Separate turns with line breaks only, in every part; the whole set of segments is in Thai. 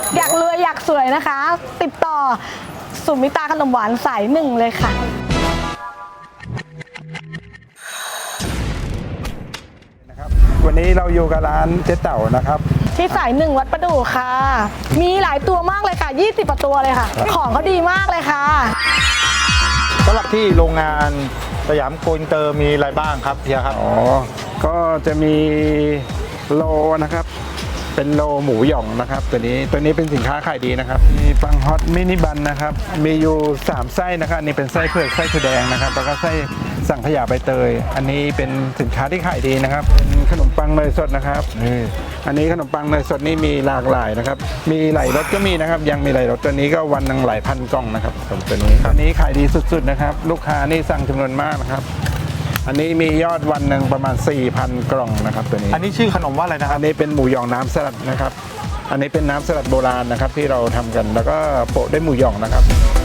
อยากรวยอยากสวยนะคะ ติดต่อสุมิตาขนมหวานสายหนึ่งเลยค่ะ
วันนี้เราอยู่กับร้านเจ๊เต่านะครับ
ที่สายหนึ่งวัดประดู่ค่ะมีหลายตัวมากเลยค่ะ20กว่าตัวเลยค่ะของเขาดีมากเลยค่ะ
สำหรับที่โรงงานสยามโกอินเตอร์มีอะไรบ้างครับเฮียครับ
ก็จะมีโลนะครับเป็นโลหมูหย่องนะครับตัวนี้เป็นสินค้าขายดีนะครับมีปังฮอตมินิบันนะครับมีอยู่3ไส้นะครับนี่เป็นไส้เผือกไส้ถั่วแดงนะครับแล้วก็ไส้สังขยาใบเตยอันนี้เป็นสินค้าที่ขายดีนะครับเป็นขนมปังเนยสดนะครับอันนี้ขนมปังเนยสดนี่มีหลากหลายนะครับมีหลายรสก็มีนะครับยังมีหลายรสตัวนี้ก็วันหนึ่งหลายพันกล่องนะครับตัวนี้ขายดีสุดๆนะครับลูกค้านี่สั่งจำนวนมากนะครับอันนี้มียอดวันหนึ่งประมาณ 4,000 กล่องนะครับตัวนี้
อันนี้ชื่อขนมว่าอะไรนะครับ
อันนี้เป็นหมูหยองน้ำสลัดนะครับอันนี้เป็นน้ำสลัดโบราณนะครับที่เราทำกันแล้วก็โปะด้วยหมูหยองนะครับ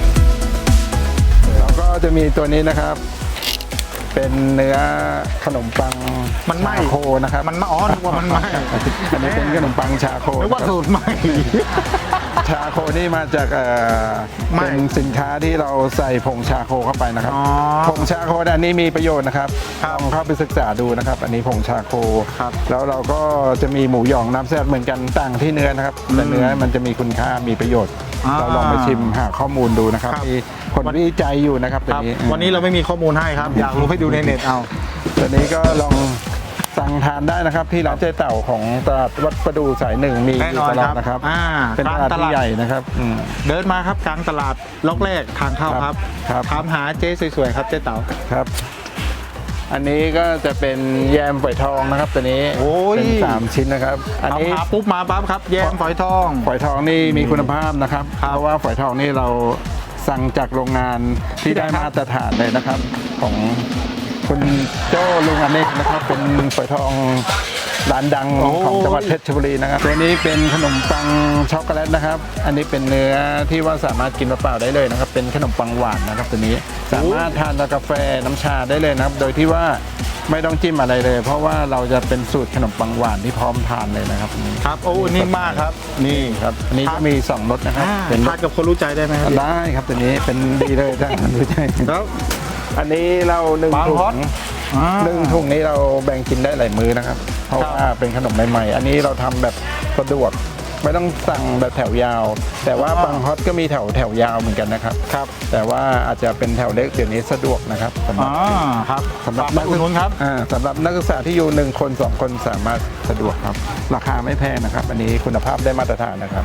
แล้วก็จะมีตัวนี้นะครับเป็นเนื้อขนมปัง
มันไหม้
โคนะครับ
มันนึกว่ามันไหม้
อันนี้เป็นขนมปังชาโค
นึกว่าสูตรไหม้
ชาโคนี่มาจากเป็นสินค้าที่เราใส่ผงชาโคเข้าไปนะครับผงชาโคอันนี้มีประโยชน์นะครับลองเข้าไปศึกษาดูนะครับอันนี้ผงชาโคแล้วเราก็จะมีหมูหยองน้ำสลัดเหมือนกันต่างที่เนื้อนะครับแต่เนื้อมันจะมีคุณค่ามีประโยชน์เราลองไปชิมหาข้อมูลดูนะครับมีผลวิจัยอยู่นะครับตัวนี้
วันนี้เราไม่มีข้อมูลให้ครับอยากรู้ให้ดูในเน็ตเอา
ตัวนี้ก็ลองสั่งทานได้นะครับที่ร้านเจ๊เต่าของตลาดวัดประดู่สายหนึ่งมีอยู่ตลอดนะครับเป็นตลาดที่ใหญ่นะครับ
เดินมาครับกลางตลาดล็อกแรกทางเข้าครับถามหาเจ๊สวยๆครับเจ๊เต่า
ครับอันนี้ก็จะเป็นแยมฝอยทองนะครับตัวนี้เป็น3ชิ้นนะครับ
อันนี้ปุ๊บมาปั๊บครับแยมฝอยทอง
นี่มีคุณภาพนะครับเพราะว่าฝอยทองนี่เราสั่งจากโรงงานที่ได้มาตรฐานเลยนะครับของคุณโจ้ลุงอเนกนะครับเป็นฝอยทองร้านดังของจังหวัดเพชรบุรีนะครับตัวนี้เป็นขนมปังช็อกโกแลตนะครับอันนี้เป็นเนื้อที่ว่าสามารถกินเปล่าๆได้เลยนะครับเป็นขนมปังหวานนะครับตัวนี้สามารถทานกับกาแฟน้ำชาได้เลยนะครับโดยที่ว่าไม่ต้องจิ้มอะไรเลยเพราะว่าเราจะเป็นสูตรขนมปังหวานที่พร้อมทานเลยนะครับ
ครับโอ้นี่มากครับนี่
ครับอันนี้จะมี2รสนะครับ
เป็นทานกับคนรู้ใจได้ไหมครับ
ได้ครับตัวนี้เป็นดีเลยถ้ารู้ใจครับอันนี้เรา1 ถุงนี้เราแบ่งกินได้หลายมื้อนะครับเพราะว่าเป็นขนมใหม่ๆอันนี้เราทำแบบสะดวกไม่ต้องสั่งแบบแถวยาวแต่ว่าปังฮอตก็มีแถวยาวเหมือนกันนะครับแต่ว่าอาจจะเป็นแถวเล็กเดี๋ยวนี้สะดวกนะครับสำหรับนักศึกษาครับสำหรับนักศึกษาที่อยู่1 คน 2 คนสามารถสะดวกครับราคาไม่แพงนะครับอันนี้คุณภาพได้มาตรฐานนะครับ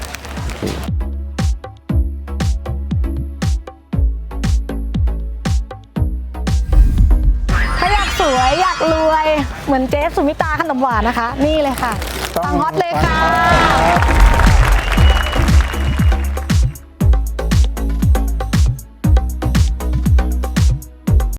สวยอยากรวยเหมือนเจ๊สุมิตาขนมหวานนะคะนี่เลยค่ะปังฮอตเลยค่ะ